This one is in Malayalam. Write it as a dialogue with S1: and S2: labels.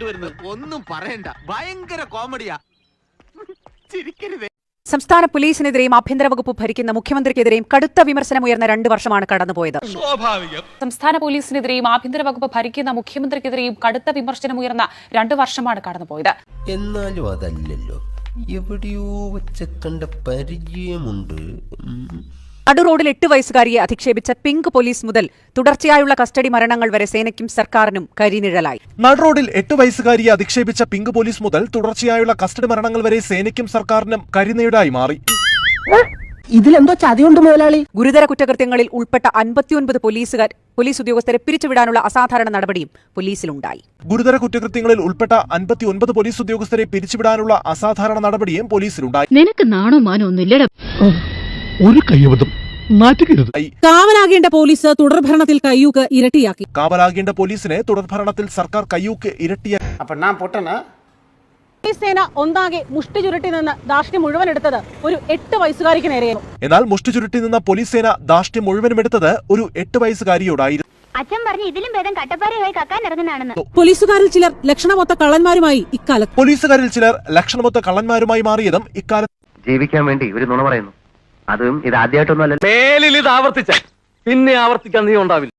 S1: ഇങ്ങോട്ട് വരുന്നത്? ഒന്നും പറയണ്ട, ഭയങ്കര കോമഡിയാ. ചിരിക്കരുതേ.
S2: സംസ്ഥാന പോലീസിനെതിരെയും ആഭ്യന്തര വകുപ്പ് ഭരിക്കുന്ന മുഖ്യമന്ത്രിക്കെതിരെയും കടുത്ത വിമർശനമുയർന്ന 2 വർഷമാണ് കടന്നുപോയത്. സംസ്ഥാന പോലീസിനെതിരെയും ആഭ്യന്തര വകുപ്പ് ഭരിക്കുന്ന മുഖ്യമന്ത്രിക്കെതിരെയും കടുത്ത വിമർശനമുയർന്ന 2 വർഷമാണ് കടന്നുപോയത്.
S3: എന്നാലും അതല്ലല്ലോ, എവിടെയോ വെച്ച കണ്ട പരിചയമുണ്ട്.
S2: നടുറോഡിൽ 8 വയസ്സുകാരിയെ അധിക്ഷേപിച്ച പിങ്ക് പോലീസ് മുതൽ തുടർച്ചയായുള്ള കസ്റ്റഡി മരണങ്ങൾ വരെ സേനയ്ക്കും സർക്കാരിനും കരിനിഴലായി.
S4: നടുറോഡിൽ 8 വയസ്സുകാരിയെ അധിക്ഷേപിച്ച പിങ്ക് പോലീസ് മുതൽ തുടർച്ചയായുള്ള കസ്റ്റഡി മരണങ്ങൾ വരെ സേനയ്ക്കും സർക്കാരിനും കരിനിഴലായി മാറി.
S5: ഇതിലെന്തോ ചതിയുണ്ട് മുതലാളി.
S2: ഗുരുതര കുറ്റകൃത്യങ്ങളിൽ ഉൾപ്പെട്ട 59 പോലീസ് ഉദ്യോഗസ്ഥരെ പിരിച്ചുവിടാനുള്ള അസാധാരണ നടപടിയും പോലീസിലുണ്ടായി.
S4: ഗുരുതര കുറ്റകൃത്യങ്ങളിൽ ഉൾപ്പെട്ട 59 പോലീസ് ഉദ്യോഗസ്ഥരെ പിരിച്ചുവിടാനുള്ള അസാധാരണ നടപടിയും പോലീസിലുണ്ടായി.
S6: നിനക്ക് നാണോ മാനോ ഒന്നുമില്ലടാ.
S7: ഒരു കയ്യബദ്ധം നാറ്റുകരുത്.
S5: കാവലാകേണ്ട പോലീസ് തുടർഭരണത്തിൽ കയ്യൂക്ക് ഇരട്ടിയാക്കി.
S4: കാവലാകേണ്ട പോലീസിനെ തുടർഭരണത്തിൽ സർക്കാർ കയ്യൂക്ക് ഇരട്ടിയാക്കി.
S5: സേന ഒന്നാകെ മുഷ്ടി ചുരുട്ടി നിന്ന് ധാർഷ്ട്യം മുഴുവൻ എടുത്തത് ഒരു 8 വയസ്സുകാരിക്ക് നേരെയായിരുന്നു.
S4: എന്നാൽ മുഷ്ടി ചുരുട്ടി നിന്ന പോലീസ് സേന ധാർഷ്ട്യം മുഴുവനും എടുത്തത് ഒരു 8 വയസ്സുകാരിയോടായിരുന്നു.
S8: അച്ഛൻ പറഞ്ഞു ഇതിലും ഭേദം കട്ടപ്പാറയായി കക്കാൻ ഇറങ്ങുന്നതാണെന്ന്.
S5: പോലീസുകാരിൽ ചിലർ ലക്ഷണമൊത്ത കള്ളന്മാരുമായി
S4: മാറിയതും ഇക്കാലത്ത്.
S9: ജീവിക്കാൻ വേണ്ടി ഒരു നുണ പറയുന്നു. അതും ഇത് ആദ്യമായിട്ടൊന്നും അല്ല.
S1: മേലിൽ ഇത് ആവർത്തിച്ച പിന്നെ ആവർത്തിക്കാൻ നീ ഉണ്ടാവില്ല.